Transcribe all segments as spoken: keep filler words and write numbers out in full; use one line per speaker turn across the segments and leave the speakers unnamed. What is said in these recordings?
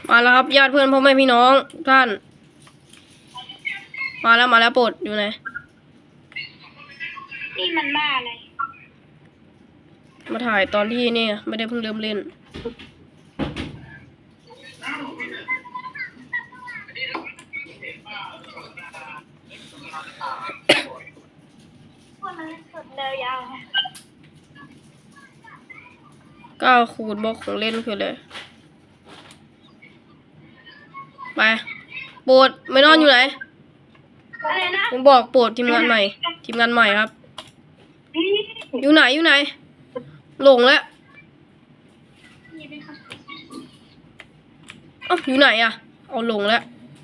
มาแล้วครับญาติเพื่อนพ่อแม่พี่น้องท่านมาแล้วมาแล้วโปรดอยู่ไหน
นี่มันบ้าอะไร
มาถ่ายตอนที่นี่ไม่ได้เพิ่งเริ่มเล่น
พวกนั้นสุดเลยยาว
เก้าคูณบล็อกของเล่นคือเลยไปโปรดไม่นอนอยู่ไหน
อะไรนะ
ผมบอกโปรดทีมงานใหม่ทีมงานใหม่ครับอยู่ไหนอยู่ไหนหลงแล้วอ๋ออยู่ไหนอะเอาหลงแล้ว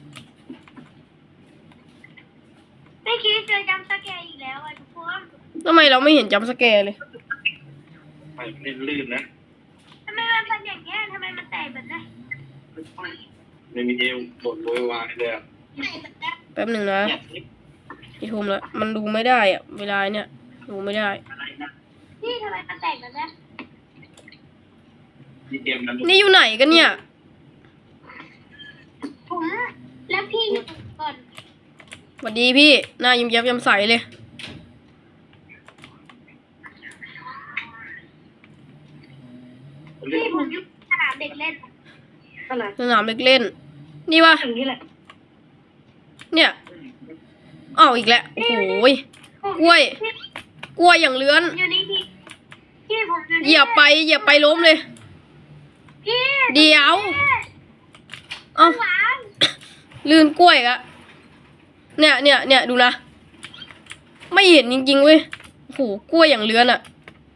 ไม่คิดจะจำสแกนอีกแล้วอ่ะทุกคน
ทำไมเราไม่เห็นจัมป์สแกร์เลย
ไปเล่นลื่นนะ
ทำไมมันเป็นอย่างเงี้ยทำไมมันแตกแบบนี้
ไม่มีเอวบดโวยวายเลยอ่ะ
แป๊บหนึ่งนะกี่ทุ่มแล้วมันดูไม่ได้อะเวลาเนี่ยดูไม่ได้
นี่ทำไมมันแตกแบบนี้
นี่เกมนั้น
นี่อยู่ไหนกันเนี่ย
ผมแล้วพี่ก่อน
สวัสดีพี่หน้ายิ้มแย้มแจ่มใสเลย
พี่ผมอยู่สนามเด็กเล่น
สนามเด็กเล่นนี่วะเนี่ยอ้าวอีกแล้วโอ้โหกล้วยกล้วยอย่างเลื้อน
อยู่นี่พี่พี่ผมอยู่
เหยียบไปเหยียบไปล้มเลย
พี่
เดี๋ยวเอ้าลื่นกล้วยอะเนี่ยเนี่ยเนี่ยดูนะไม่เห็นจริงๆเว้ยโอ้โหกล้วยอย่างเลื้อนอะ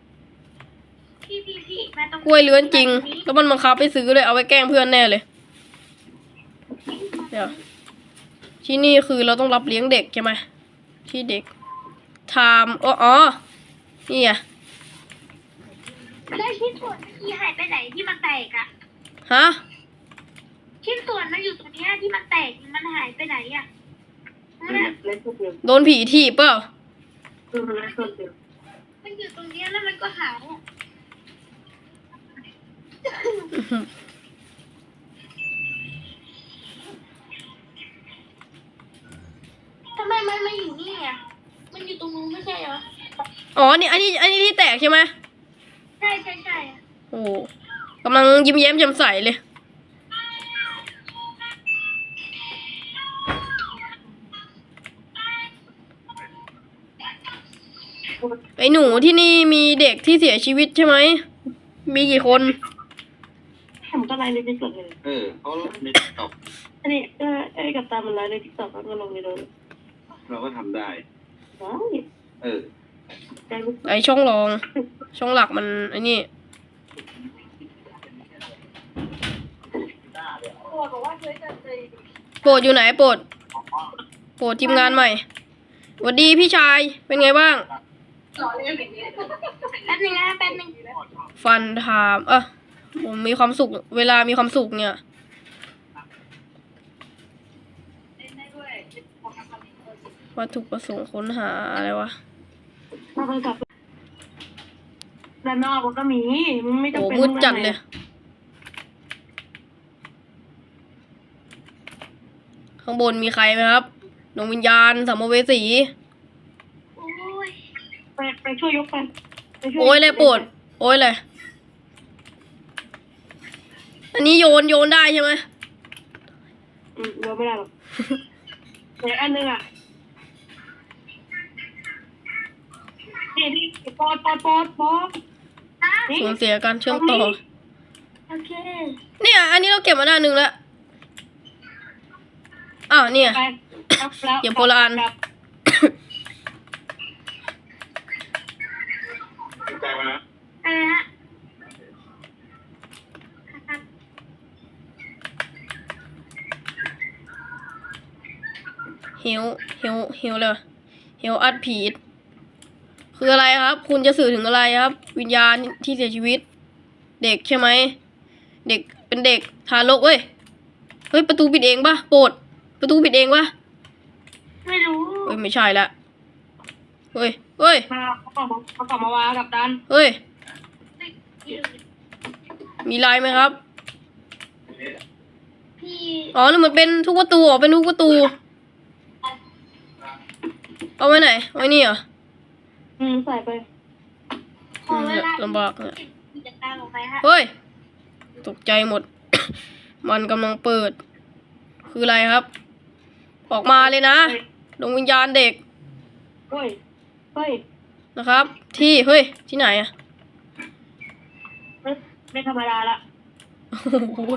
กล้วยเลื้อนจริงแล้วมันบังคับไปซื้อเลยเอาไว้แกล้งเพื่อนแน่เลยเดี๋ยวที่นี่คือเราต้องรับเลี้ยงเด็กใช่ไหมที่เด็กไทม์อ๋ออ๋อนี่อะ
แล้วชิ้นส่วนเมื่อกี้หายไปไหนที่มันแตกอะ
ฮะ
ชิ้นส่วนมันอยู่ตรงนี้ที่มันแตกมันหายไปไหนอะ
โดนผีถีบเปล่า
มันอยู่ตรงนี้แล้วมันก็หายอะทำไมมันมาอยู่นี่อ่ะมันอยู่ตรงนู้นไม่ใช่เหรอ
อ๋อนี่อันนี้อันนี้ที่แตกใช่ไหม
ใช่ใช่ใช่
โอ้กำลังยิ้มแย้มแจ่มใสเลยไอ้หนูที่นี่มีเด็กที่เสียชีวิตใช่ไหมมีกี่คน
ผมก็ไลฟ์ในติ๊กต็อกเลย
เออเขาในติ๊กต็อก
อันนี้ก็ไอ้กับตามันไลฟ์ในติ๊กต็อกแล้วก็ลงในโดน
เราก็ทำได้เออ
ไอช่องรองช่องหลักมันไอ้นี่โปรดอยู่ไหนโปรดโปรดทีมงานใหม่สวัสดีพี่ชายเป็นไงบ้าง
แป๊บนึงนะแป๊บนึง
ฟันถามเออผมมีความสุขเวลามีความสุขเนี่ยวัตถุประสงค์ค้นหาอะไรวะ
ด้านนอกมันก็มีมึงไม่ต้อง
เป็นโอ้มืดจัดเลยข้างบนมีใครไหมครับดวงวิญญาณสัมภเวสี
โอ้ย
ไปไปช่วยยกไป
โอ้ยเลยปวดโอ้ยเลยอันนี้โยนโยนได้ใช่ไหม
อืมโยนไม่ได้หรอกแต่อันนึงอ่ะนี่นี่ปอดปอดปอดปอด
สูญเสียการเชื่อมต่อ
โอเค
เนี่ยอันนี้เราเก็บมาด้านหนึ่งแล้วอ้าวเนี่ยอย่าโบราณ
ใจมานะ
อะไรฮะ
เฮลเฮลเฮลเลยเฮลอัดผีคืออะไรครับคุณจะสื่อถึงอะไรครับวิญญาณที่เสียชีวิตเด็กใช่ไหมเด็กเป็นเด็กทารกเว้ยเฮ้ยประตูปิดเองปะโปรดประตูปิดเองปะ
ไม่รู้
เฮ้ยไม่ใช่ละเฮ้ยเฮ้ย
มาเขากลับมาเขากลับมาวากับดัน
เฮ้ยมีไลน์ไหมครับ
ที่
อ๋อนี่มันเป็นทุกประตูอ๋อเป็นทุกประตู เอาไว้ไหนไว้นี่เหรอ
อืมใส่ไป
พอเวลา
ลำบากเนี่ย
กิจการออกไปฮะ
เฮ้ย ตกใจหมด มันกำลังเปิด คืออะไรครับ ออกมาเลยนะ
เฮ้ย
ดวงวิญญาณเด็ก
เฮ้ยเฮ้ย
นะครับ ที่เฮ้ยที่ไหนอะ
ไม่ไม่ธรรมดาละ
โอ้โห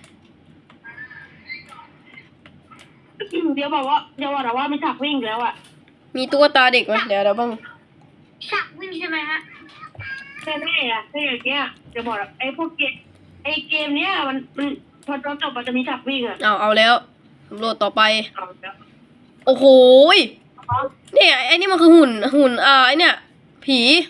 เดี๋ยวบอกว่าเดี๋ยวบอกนะว่ามีฉากวิ่งอีกแล้วอ่ะ
มีตุ๊กตาเด็กไหมเดี๋ยวเดี๋ยวบ้าง
ฉากวิ่งใช่ไหมฮะ
แน่ๆอ่ะถ้าอย่างเงี้ยเดี๋ยวบอกนะไอ้พวกเกมไอ้เกมเนี้ยมันมันพอจบมันจะมีฉากวิ่งอ่ะ
เอาเอาแล้วสำรวจต่อไป
เอาแล้ว
โอ้โหยเนี่ยไอ้นี่มันคือหุ่นหุ่นอ่าไอ้เนี่ยผี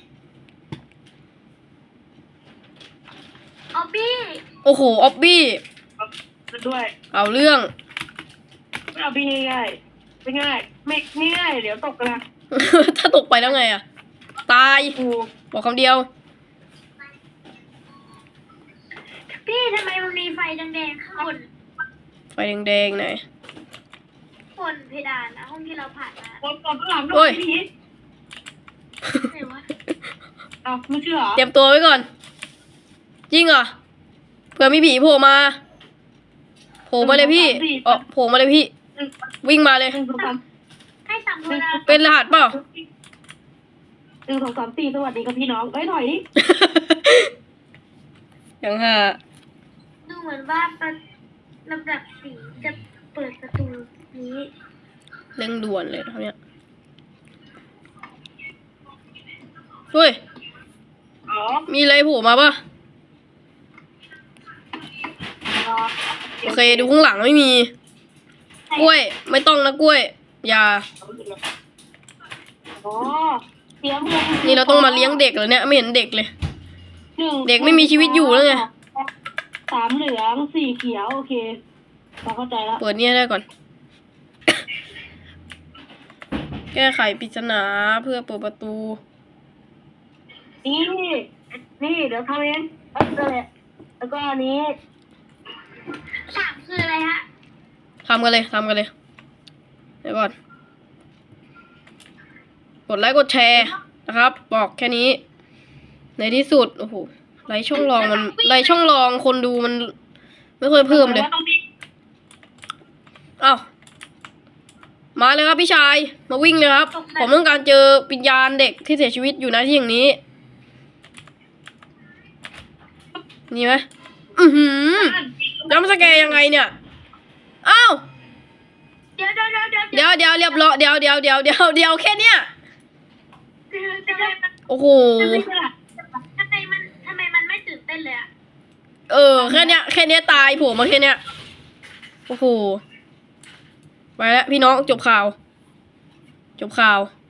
ออบบี้
โอ้โหออบบี้
เอาด้วย
เอาเรื่อง
ไม่เอาพี่ง่ายๆไม่ง่ายไม่ไม่ง่ายเดี๋ยวตกกันนะ
ถ้าตกไปแล้วไงอะตาย
กู
บอกคำเดียว
พี่ทำไมมันมีไฟแดงๆข้างบน
ไฟแดงๆไหน
บนเพดานนะห้องที่เราผ่านมา
ตกตกข้างหลัง
โอ้
ด้วย
ย
พี่
ไหนวะ
เอาไม่เชื่อเหรอ
เตรียมตัวไว้ก่อน จริงเหรอเผื่อมีผีโผล่มาโผล่มาเลยพี่เออโผล่มาเลยพี่
หนึ่ง
วิ่งมาเลย
หนึ่งสองสาม
ให้สั่งโทรนะ
เป็นรหัสเปล่า
หนึ่งสองสามสี่สวัสดีครับพี่น้องเอ้ยถอยดิ
อย่างห่า
ดูเหมือนว่าประลำดับสีจะเปิดประตูนี้
เร่งด่วนเลยเท่านี้เฮ้ย
อ๋อ
มีอะไรโผล่มาปะโอเคดูข้างหลังไม่มี กล้วย ไม่ต้องนะกล้วย อย่า
อ๋อเตรียมลง
นี่เราต้องมาเลี้ยงเด็กเหรอเนี่ยไม่เห็นเด็กเลย
หนึ่ง
เด็กไม่มีชีวิตอยู่แล้วไง
สามเหลืองสี่เขียวโอเคเราเข้าใจแล้ว
เปิดเนี่ยได้ก่อน แก้ไขปริศนาเพื่อเปิดประตู
นี่นี่เดี๋ยวทำเองเออนั่นแหละแล้วก็อันนี้
สามคืออะไรฮะ
ทำกันเลยทำกันเลย เดี๋ยวก่อน กดไลค์กดแชร์นะครับ บอกแค่นี้ ในที่สุด โอ้โห ไลค์ช่องรองมัน ไลค์ช่องรองคนดูมัน ไม่เคยเพิ่มเลย
ว่าต้องมี
อ้าว มาเลยครับพี่ชาย มาวิ่งเลยครับ ผมต้องการเจอวิญญาณเด็กที่เสียชีวิตอยู่ณที่อย่างนี้ นี่ไหมอือหือจำสแกร์ยังไงเนี่ย อ้าว
เดี๋ยวเดี๋ยวเดี๋ยวเดี๋ยว
เดี๋ยวเดี๋ยวเรียบร้อยเดี๋ยวเดี๋ยวเดี๋ยวเดี๋ยวเดี๋ยวแค่เนี้ย
ทำไมมัน
โอ้โห
ทำไมมันทำไมมันไม่ตื่นเต้นเลยอะ
เออ แค่เนี้ย แค่เนี้ยตายโผล่มาแค่เนี้ย โอ้โห ไปแล้วพี่น้องจบข่าว จบข่าว